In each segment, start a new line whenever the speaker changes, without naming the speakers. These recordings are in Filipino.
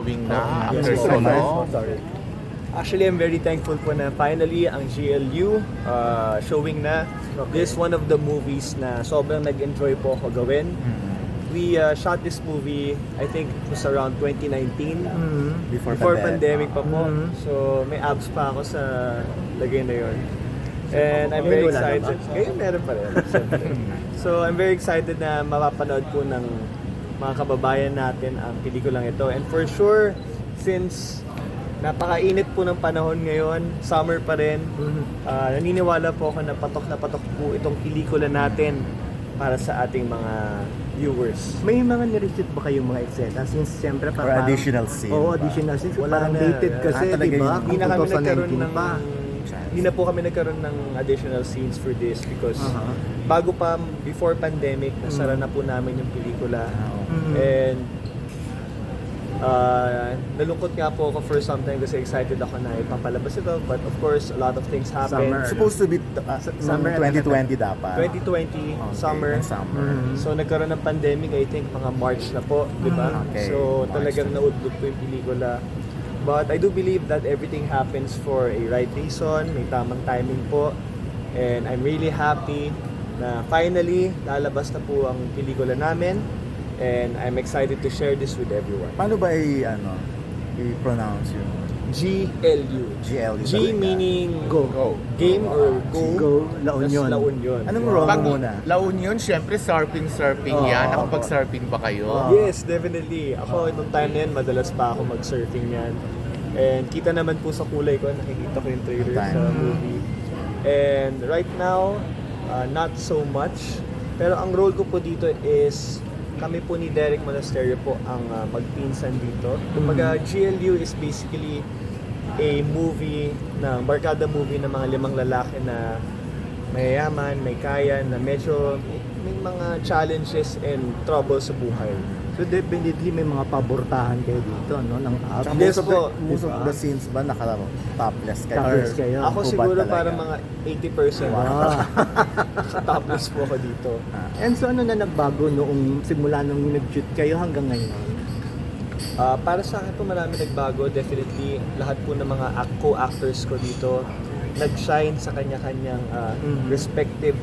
showing na
Yes,
after
po.
so long.
Sorry. Actually, I'm very thankful po na finally ang GLU showing na. This is one of the movies na sobrang nag-enjoy po ako gawin. We shot this movie, I think it was around 2019.
Before
Pandemic pa po. So may abs pa ako sa lagay na yun. And I'm very
Ngayon wala na
excited. Ngayon meron pa rin. Siyempre. So I'm very excited na mapapanood po ng mga kababayan natin ang pelikulang ito. And for sure, since napakainit po ng panahon ngayon, summer pa rin, naniniwala po ako na patok po itong pelikula natin para sa ating mga viewers.
May mga nireshoot ba kayong mga eksena? Since siyempre
Or additional scene.
Oo, additional scene.
Wala
Parang
na.
dated kasi,
talaga
di ba?
yun.
Hindi na kami nagkaroon
2019
ng
pa.
hindi na po kami nagkaroon ng additional scenes for this because bago pa before pandemic nasara na po namin yung pelikula. And nalungkot nga po ako for some time kasi excited ako na ipapalabas ito, but of course a lot of things happened.
Supposed to be
Summer
2020 dapat.
2020
Okay,
summer.
summer.
So nagkaroon ng pandemic, I think mga March na po, di ba?
Okay.
So
March
talagang
na.
naudlot po yung pelikula. But I do believe that everything happens for a right reason, may tamang timing po. And I'm really happy na finally lalabas na po ang pelikula namin. And I'm excited to share this with everyone.
Paano ba i-pronounce yung
GLU.
GLU
G
talaga?
meaning
Go.
game or go.
Go, La
Tas
Union.
La Union.
Anong role
Pag
mo muna?
La Union, syempre surfing yan. Nakapag-surfing ba kayo?
Yes, definitely. Ako, nung time na yan, madalas pa ako mag-surfing yan. And kita naman po sa kulay ko, nakikita ko yung trailer sa movie. And right now, not so much. Pero ang role ko po dito is, kami po ni Derek Monasterio po ang magpinsan dito. Kumbaga, GLU is basically a movie, barkada movie ng mga limang lalaki na mayayaman, may kaya, na medyo may mga challenges and trouble sa buhay.
So definitely may mga pabortahan kayo dito, no? Ng up.
Tsaka
Yes po.
most of the scenes ba topless kayo?
Topless
Or
kayo.
Ako
hubad
siguro
talaga?
parang mga 80%. Topless po ako dito.
And so ano na nagbago noong simula nung nag-shoot kayo hanggang ngayon?
Para sa akin po marami nagbago. Definitely, lahat po ng mga co-actors ko dito nag-shine sa kanya-kanyang respective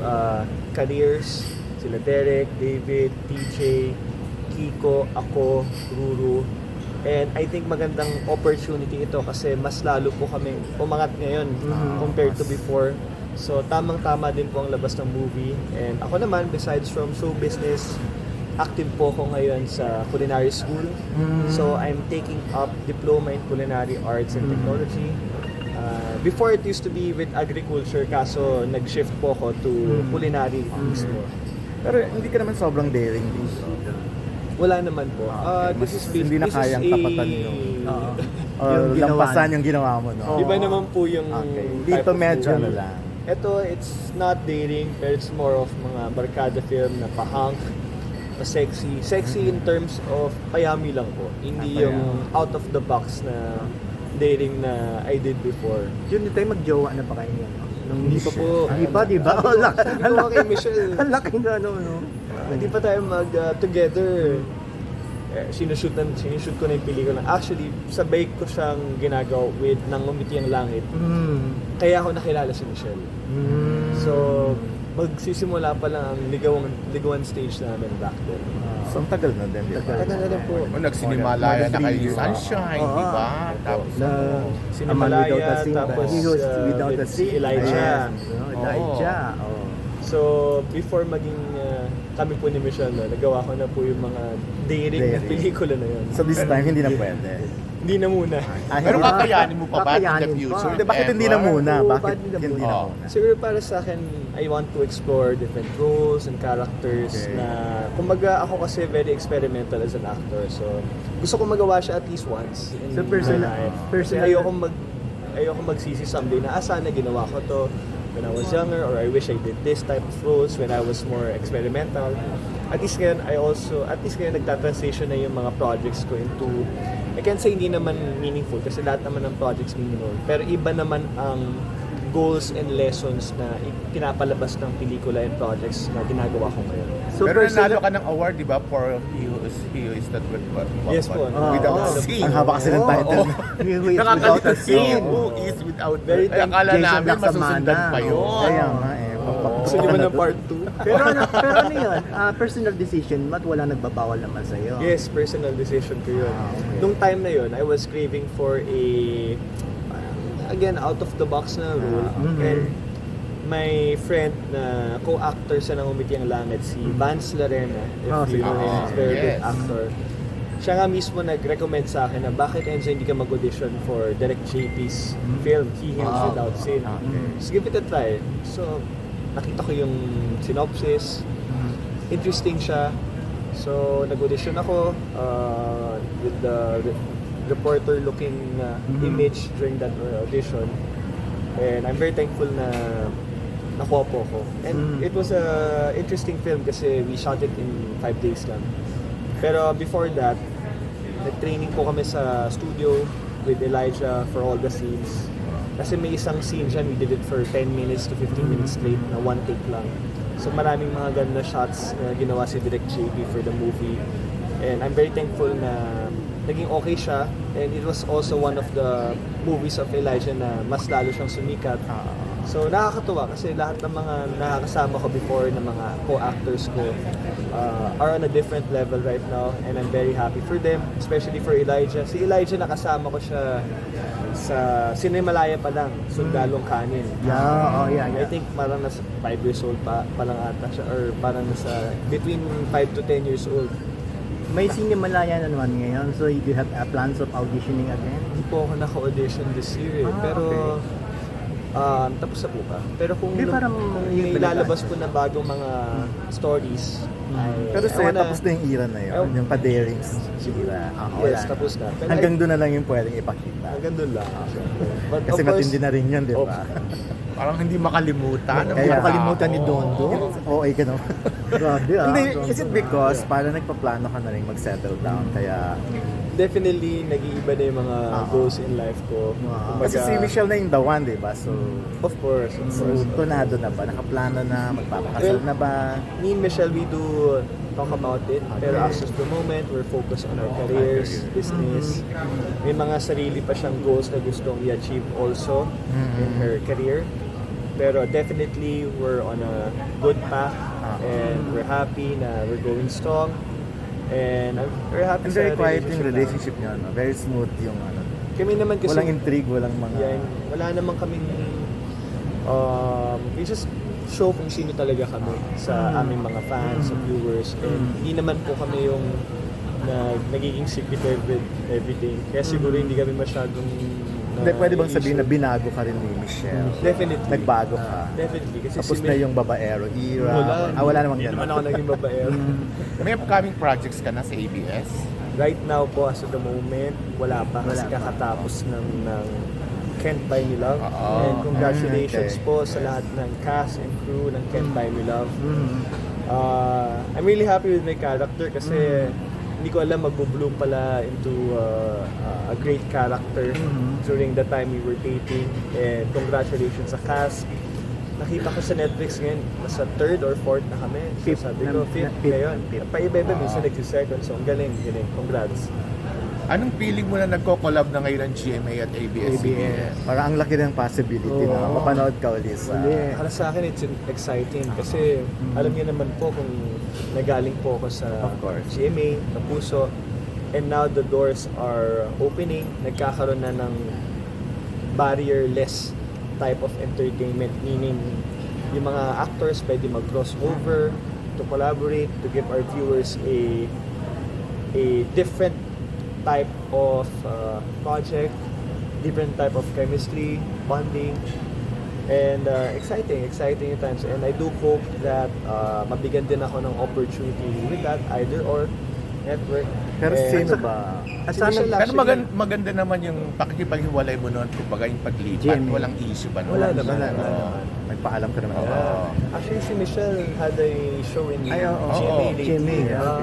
careers. Sila Derek, David, TJ, Kiko, ako, Ruru. And I think magandang opportunity ito kasi mas lalo po kami umangat ngayon compared to before. So tamang-tama din po ang labas ng movie. And ako naman, besides from show business, active po ako ngayon sa culinary school. So I'm taking up diploma in culinary arts and technology. Before it used to be with agriculture, kaso nag-shift po ako to culinary mismo.
Pero hindi ka naman sobrang daring dito.
Wala naman po. This is
Hindi na
this is
kayang
a-
tapatan yung or
Yung ginawa
lampasan yung ginawa mo, no?
Iba naman po yung
Okay.
type
Dito
of
medyo
movie.
ano lang.
Ito, it's not dating, pero it's more of mga barkada film na pa-hunk, pa-sexy. Sexy in terms of payami lang po. Hindi yung out of the box na dating na I did before.
Yun tayo magjowa na pa kayo ngayon?
Hindi pa po.
Hindi pa, di ba?
Sabi ko kay Michelle,
Ang laki na no?
hindi pa tayo mag-together. Sinushoot ko na yung pelikula. Actually, sabay ko siyang ginagawa with Nang Umiti ang Langit. Kaya ako nakilala si Michelle. So, magsisimula pa lang ang ligawan stage namin back then.
So, ang tagal na din, di ba?
Tagal na lang po.
Nagsinimalayan na kayo ni Sunshine, di ba? Tapos
Na
Sinimalaya,
Without a Sin,
tapos
Without a
with
Sin,
Elijah.
Elijah. Oh.
So, before maging kami po ni Michelle, nagawa ko na po yung mga daring na
Daring.
pelikula na yun.
So this time, hindi na pwede.
Hindi na muna.
Pero kakayanin mo pa ba in the
Kakayanin
future?
pa.
Hindi, bakit hindi na
Ever?
muna?
Oo,
Bakit
bakit
hindi
hindi
na
na
muna?
Siguro para sa akin, I want to explore different roles and characters
Okay.
na, kumbaga ako kasi very experimental as an actor. So, gusto ko magawa siya at least once in
So,
my
personal-
life.
personal-
Kasi ayoko magsisi someday na sana ginawa ko to when I was younger, or I wish I did this type of roles when I was more experimental. At least ngayon, nagta-transition na yung mga projects ko into, I can't say hindi naman meaningful kasi lahat naman ng projects meaningful. Pero iba naman ang goals and lessons na pinapalabas ng pelikula and projects na ginagawa ko ngayon.
So,
Pero nanalo
personal,
ka ng award, di ba? For He Who Is Not
Yes po.
Without
Oo.
C.
Ang haba kasi ng title.
he who is without
Nakakalito
a
He
sin.
Who Is Without
Very
Ay, akala
Jason
namin masusundan
Laksamana.
pa yun.
Kaya nga eh.
Gusto niyo ba ng part 2?
Pero ano yun? Personal decision mo at wala nagbabawal naman sa'yo.
Yes, personal decision ko yun.
Okay.
Nung time na yun, I was craving for a, again, out of the box na role. And my friend na co-actor sa Nang Umiti ang Langit, si Vance Larena, if you know him, he's a very good
yes.
actor. Siya nga mismo nag-recommend sa akin na bakit Enzo hindi ka mag-audition for Direk JP's film, He Heals Without Sin. Just give it a try. So, nakita ko yung synopsis. Interesting siya. So, nag-audition ako with the reporter-looking image during that audition. And I'm very thankful na nakuha po ako. And it was a interesting film kasi we shot it in 5 days lang. Pero before that, nag-training po kami sa studio with Elijah for all the scenes. Kasi may isang scene dyan, we did it for 10 minutes to 15 minutes straight na one take lang. So maraming mga ganun na shots na ginawa si Direk JP for the movie. And I'm very thankful na naging okay siya. And it was also one of the movies of Elijah na mas lalo siyang sumikat. So nakakatuwa kasi lahat ng mga nakakasama ko before na mga co-actors ko are on a different level right now. And I'm very happy for them, especially for Elijah. Si Elijah nakasama ko siya sa Cinemalaya pa lang, Sundalong Kanin. I think parang nasa 5 years old pa lang ata siya or parang nasa between 5 to 10 years old.
May Cinemalaya na naman ngayon, so you do have plans of auditioning again?
Hindi po ako naka-audition this year eh. Pero tapos na po ba? Pero kung
parang
may
yun talaga.
lalabas po na bagong mga stories,
Pero
I
sa'yo,
wanna-
tapos na yung era na yun.
I-
Yung pa-darings era.
Yes, tapos na. Pero
Hanggang doon na lang yung pwedeng ipakita.
hanggang doon lang. But
Kasi
of course,
matindi na rin yun, di ba?
Parang hindi makalimutan.
Hindi makalimutan ni Dondo.
Oo, ka naman.
Grabe ah.
Hindi, is it because parang nagpaplano ka na rin mag-settle down, kaya...
definitely nag-iiba na yung mga goals in life ko.
Kasi si Michelle na yung the one, di ba? So,
Of course, of
so
course.
tunado na ba? Nakaplano na? Magpapakasal na ba?
Me and Michelle, we do talk about it. Pero as of the moment, we're focused on our careers, business. May mga sarili pa siyang goals na gustong i-achieve also in her career. Pero definitely, we're on a good path. And we're happy na we're going strong. And I'm very happy
And very
sa
quiet yung
namin.
relationship niyo, no? Very smooth yung ano.
Kami naman kasi...
Walang intrigue, walang mga...
Yan, wala naman kaming we just show kung sino talaga kami sa aming mga fans, sa viewers. And hindi naman po kami yung nagiging secretive with everything. Kaya siguro hindi kami masyadong
Hindi, pwede bang sabihin na binago ka rin ni Michelle?
Definitely.
Nagbago ka?
Definitely. Kasi
Tapos
si
na yung babaero era? Wala namang
Hindi
ganun.
naman ako naging babaero.
May upcoming projects ka na sa ABS?
Right now po, as of the moment, wala pa. Kasi kakatapos ng Can't Buy Me Love. And congratulations
okay.
po sa lahat ng cast and crew ng Can't Buy Me Love. I'm really happy with my character kasi hindi ko alam magbo-bloom pala into a great character during the time we were dating. And congratulations sa cast. Nakita ko sa Netflix ngayon, nasa 3rd or 4th na kami. So
Fifth
sabi ko, 5th ngayon. Paiba-iba, minsan nagsi-second. So ang galing. Congrats.
Anong feeling mo na nagko-collab na ngayon ang GMA at ABS-CBN?
Parang ang laki ng possibility na mapanood ka ulit sa...
Para sa akin, it's exciting kasi alam niyo naman po kung nagaling po ako sa
Of course.
GMA, Kapuso, and now the doors are opening. Nagkakaroon na ng barrier-less type of entertainment, meaning yung mga actors pwede mag-crossover to collaborate, to give our viewers a different type of project, different type of chemistry, bonding, and exciting times. And I do hope that mabigyan din ako ng opportunity with that, either or network.
Pero
Eh,
sino ba?
At
Si
sana,
Michelle
Pero
actually-
maganda naman yung pakikipaghiwalay mo noon, kumbaga yung paglipat,
GMA.
walang issue ba noon?
Wala naman.
Wala
Oo.
naman. Nagpaalam ka naman.
Actually, si Michelle had a show in
Ay, oo.
GMA
Oo.
lately.
GMA,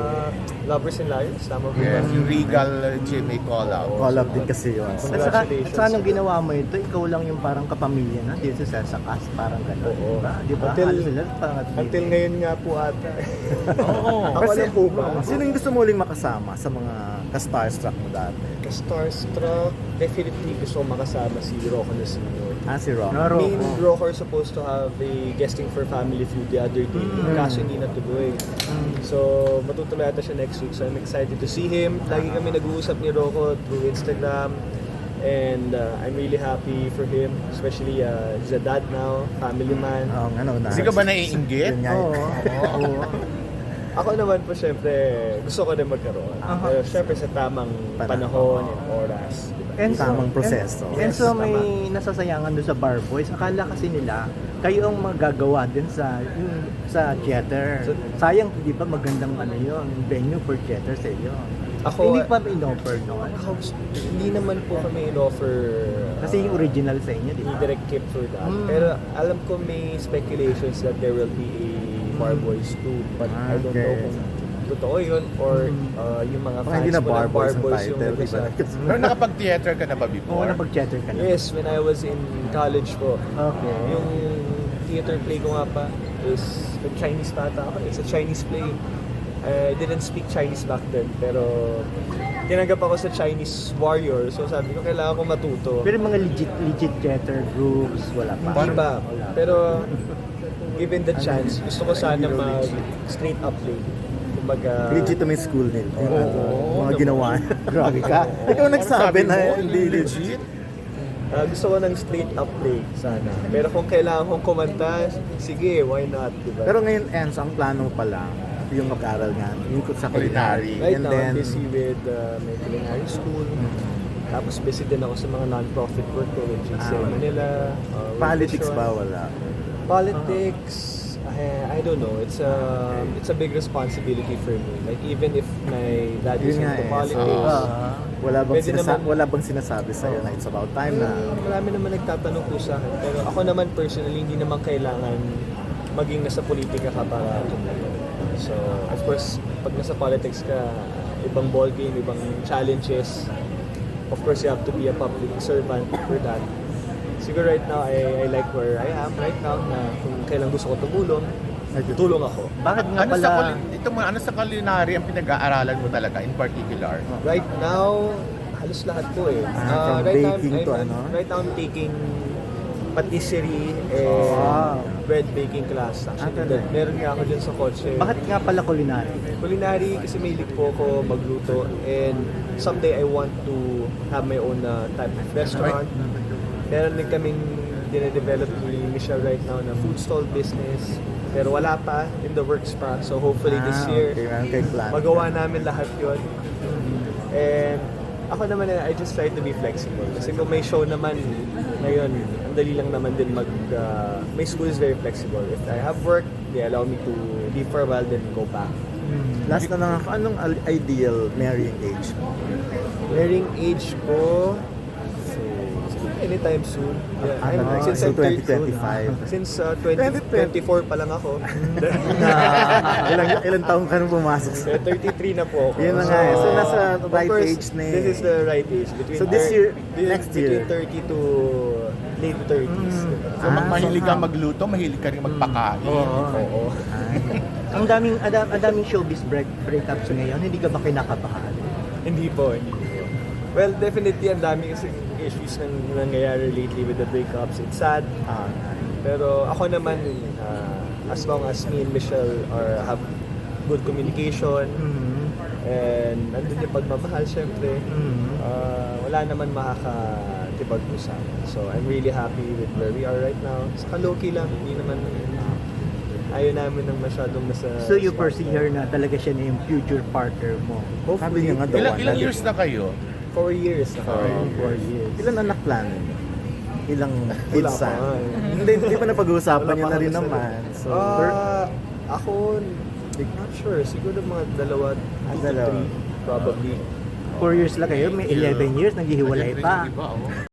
Lovers and Liars, tama ba?
Yes, yung Regal GMA call-out.
Call up din kasi yun.
at
Congratulations.
saka nung ginawa mo ito, ikaw lang yung parang kapamilya na dito sa cast, parang gano'n.
Oo.
Diba?
Until-
Halos sila parang
Until ngayon nga po ata.
Oo.
Ako lang po ba?
Sino yung gusto mo uling makasama sa mga ka-starstruck mo dati?
Starstruck, definitely gusto ko makasama si Rocco na senior.
Si Rock.
Naro.
Me and Rocco are supposed to have a guesting for Family Feud the other day. Kaso hindi natuloy. So, matutuloy ata siya next week. So, I'm excited to see him. Lagi kami nag-uusap ni Rocco through Instagram. And I'm really happy for him. Especially, he's a dad now, family man.
Hindi ka ba naiinggit?
Yun nga.
Oo.
Ako naman po, syempre, gusto ko din magkaroon.
Aha.
Pero syempre sa tamang panahon and oras. Diba?
And
Tamang proseso.
And
Yes,
so may nasasayangan doon sa Bar Boys. Akala kasi nila, kayo ang magagawa din sa theater.
So-
Sayang, di ba magandang yun, venue for theater sa iyo.
Ako-
Hindi pa in-offer noon.
Ako, hindi naman po kami in-offer
Kasi yung original sa inyo, di
ni
ba?
Direct Kip for that. Pero alam ko may speculations that there will be a Bar Boys 2. But I don't know
Okay.
kung totoo yun or yung mga
Baka
fans
hindi na
ko
Bar
ng
Boys ang
yung
title, di ba?
nagsasabi.
Pero nakapag-theater ka na ba
Oo,
before?
napag-theater ka na.
Yes, when I was in college po.
Okay.
Yung theater play ko nga pa is Chinese pa ata ako. It's a Chinese play. I didn't speak Chinese back then, pero tinanggap ako sa Chinese warrior. So sabi ko, kailangan ko matuto.
Pero yung mga legit theater groups, wala pa.
Hindi ba?
Wala.
Pero given the chance, gusto ko sana mag straight up play. Kumbaga,
Legitimate school nila. Mga ginawa.
Grabe ka.
Ikaw nagsabi na
mo,
hindi legit.
legit.
gusto ko ng straight up play sana. Pero kung kailangan kong kumanta, sige, why not? Diba?
Pero ngayon, Enz, ang plano mo pa lang, yung mag-aral nga, yung sa culinary.
Right
And
now,
then,
I'm busy with my culinary school. Tapos busy din ako sa mga non-profit work ko with GC Manila. World
politics
Vision.
ba? Wala.
Politics, I don't know. It's a big responsibility for me. Like even if my dad is
Yun nga
into
eh.
politics,
Wala bang sinasabi sa'yo na it's about time na
marami naman nagtatanong po sa akin. Pero ako naman personally, hindi naman kailangan maging nasa politika ka para tumulong. So, of course, pag nasa politics ka, ibang ballgame, ibang challenges. Of course, you have to be a public servant for that. Siguro right now, I like where I am right now na kung kailan gusto ko tumulong, tulong ako.
Bakit nga
Ano
pala?
ano sa culinary ang pinag-aaralan mo talaga in particular?
Right now, halos lahat po eh.
from
Right now,
baking to ano?
Right now, I'm taking patisserie and
Wow.
bread baking class. Actually,
talaga?
meron nga ako dyan sa kotse.
Bakit nga pala culinary?
Culinary kasi mahilig po ako magluto and someday I want to have my own type of restaurant. Meron din kaming dine-develop ni Michelle right now na food stall business. Pero wala pa, in the works pa. So hopefully this year,
Okay, meron kayong plan.
magawa namin lahat yon. And ako naman, I just try to be flexible. Kasi kung may show naman, ngayon, ang dali lang naman din my school is very flexible. If I have work, they allow me to leave for a while, then go back.
Last na lang ako, anong ideal marrying age mo?
Marrying age ko, siguro anytime soon. Yeah, since
so
I'm 30
2025.
Since 2024 pa lang ako.
Ilang taong ka nung pumasok sa...
Kaya 33 na po ako.
Yun na nga eh. So, nasa
of
right
course,
age na eh.
This is the right age. Between
So, this year, next
between
year.
30 to late 30s.
So, mahilig ka magluto, mahilig ka rin magpakain.
Oo.
Ang daming showbiz breakups ngayon, hindi ka ba kinakabahan?
Hindi po. Well, definitely ang dami kasi issues nang nangyayari lately with the breakups. It's sad. Pero ako naman, as long as me and Michelle have good communication, and nandun yung pagmamahal syempre, wala naman makakatipag-usap. So I'm really happy with where we are right now. Saka low-key lang, hindi naman ayaw namin ng masyadong nasa...
So you foresee her na talaga siya na yung future partner mo?
Sabi niya nga daw.
Ilang years na kayo?
4 years na kami.
4 years.
Ilan anak plano niyo? Ilang
Wala
kids
pa nga eh.
Hindi pa napag-uusapan
Wala
niyo
pa
na rin
kami sa-
naman. So,
Ako, not sure. Siguro mga 2 to 3.
Dalawa.
probably.
4 years lang kayo, may 11 years, naghihiwalay
Agad rin
pa.
yung iba, oh.